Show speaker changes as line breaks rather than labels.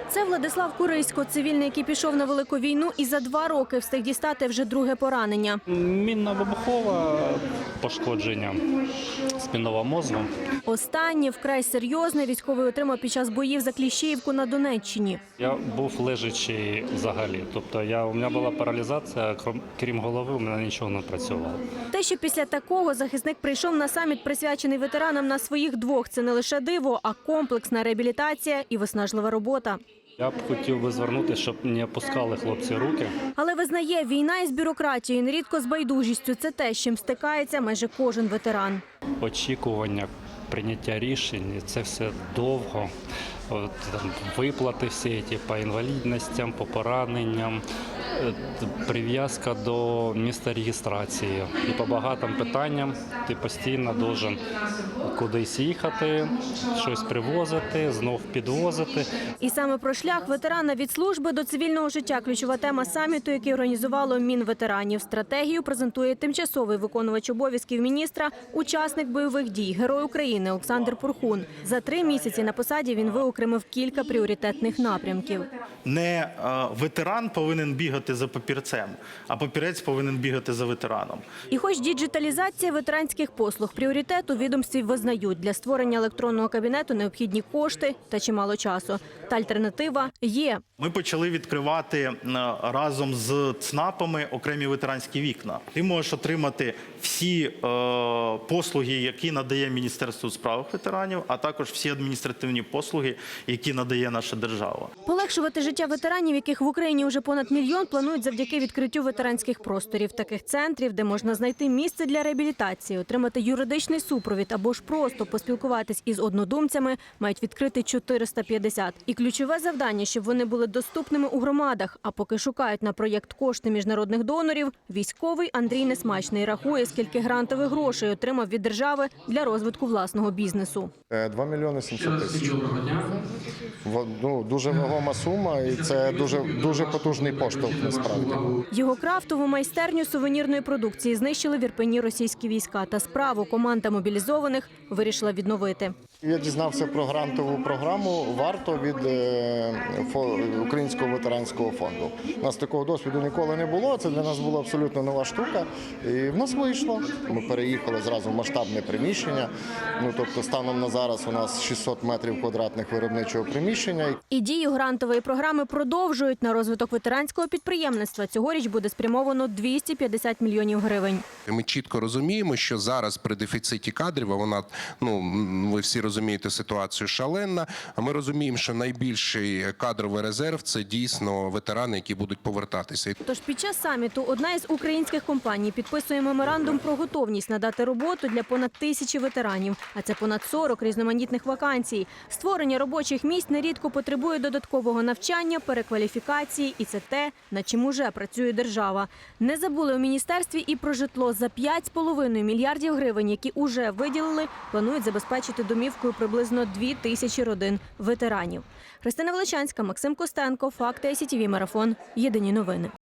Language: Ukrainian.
Це Владислав Курисько, цивільний, який пішов на велику війну і за 2 роки встиг дістати вже друге поранення.
Мінно-вибухове пошкодження спинного мозку.
Останнє, вкрай серйозне, військовий отримав під час боїв за Кліщіївку на Донеччині.
Я був лежачий взагалі. Тобто у мене була паралізація, крім голови, у мене нічого не працювало.
Те, що після такого захисник прийшов на саміт, присвячений ветеранам на своїх 2, це не лише диво, а комплексна реабілітація і виснажлива робота.
Я б хотів би звернутися, щоб не опускали хлопці руки.
Але визнає, війна із бюрократією, нерідко з байдужістю – це те, з чим стикається майже кожен ветеран.
Очікування, прийняття рішень – це все довго. Виплати всі по інвалідностям, по пораненням, прив'язка до місця реєстрації. І по багатим питанням ти постійно должен кудись їхати, щось привозити, знов підвозити.
І саме про шлях ветерана від служби до цивільного життя – ключова тема саміту, який організувало Мінветеранів. Стратегію презентує тимчасовий виконувач обов'язків міністра, учасник бойових дій, Герой України Олександр Порхун. За 3 місяці на посаді він виокремив кілька пріоритетних напрямків.
Не ветеран повинен бігати за папірцем, а папірець повинен бігати за ветераном.
І хоч діджиталізація ветеранських послуг – пріоритет, у відомстві визнають, для створення електронного кабінету необхідні кошти та чимало часу. Та альтернатива є.
Ми почали відкривати разом з ЦНАПами окремі ветеранські вікна. Ти можеш отримати всі послуги, які надає Міністерство у справах ветеранів, а також всі адміністративні послуги, які надає наша держава.
Полегшувати життя ветеранів, яких в Україні вже понад 1 мільйон, планують завдяки відкриттю ветеранських просторів. Таких центрів, де можна знайти місце для реабілітації, отримати юридичний супровід або ж просто поспілкуватись із однодумцями, мають відкрити 450. І ключове завдання, щоб вони були доступними у громадах. А поки шукають на проєкт кошти міжнародних донорів, військовий Андрій Несмачний рахує, скільки грантових грошей отримав від держави для розвитку власного бізнесу.
2 мільйони 700 тисяч. Дуже вагома сума і це дуже потужний поштовх насправді.
Його крафтову майстерню сувенірної продукції знищили в Ірпені російські війська. Та справу команда мобілізованих вирішила відновити.
Я дізнався про грантову програму «Варто» від Українського ветеранського фонду. У нас такого досвіду ніколи не було, це для нас була абсолютно нова штука. І в нас вийшло. Ми переїхали зразу в масштабне приміщення. Тобто станом на зараз у нас 600 метрів квадратних виробничого приміщення.
І дію грантової програми продовжують. На розвиток ветеранського підприємництва цьогоріч буде спрямовано 250 мільйонів гривень.
Ми чітко розуміємо, що зараз при дефіциті кадрів, а вона, ви всі розумієте, ситуацію шаленна, а ми розуміємо, що найбільший кадровий резерв – це дійсно ветерани, які будуть повертатися.
Тож під час саміту одна із українських компаній підписує меморандум про готовність надати роботу для понад 1000 ветеранів, а це понад 40 різноманітних вакансій. Створення робочих місць нерідко потребує додаткового навчання, перекваліфікації, і це те, над чим уже працює держава. Не забули у міністерстві і про житло. За 5,5 мільярдів гривень, які уже виділили, планують забезпечити домівкою приблизно 2000 родин ветеранів. Христина Величанська, Максим Костенко, Факти СІТВ Марафон. Єдині новини.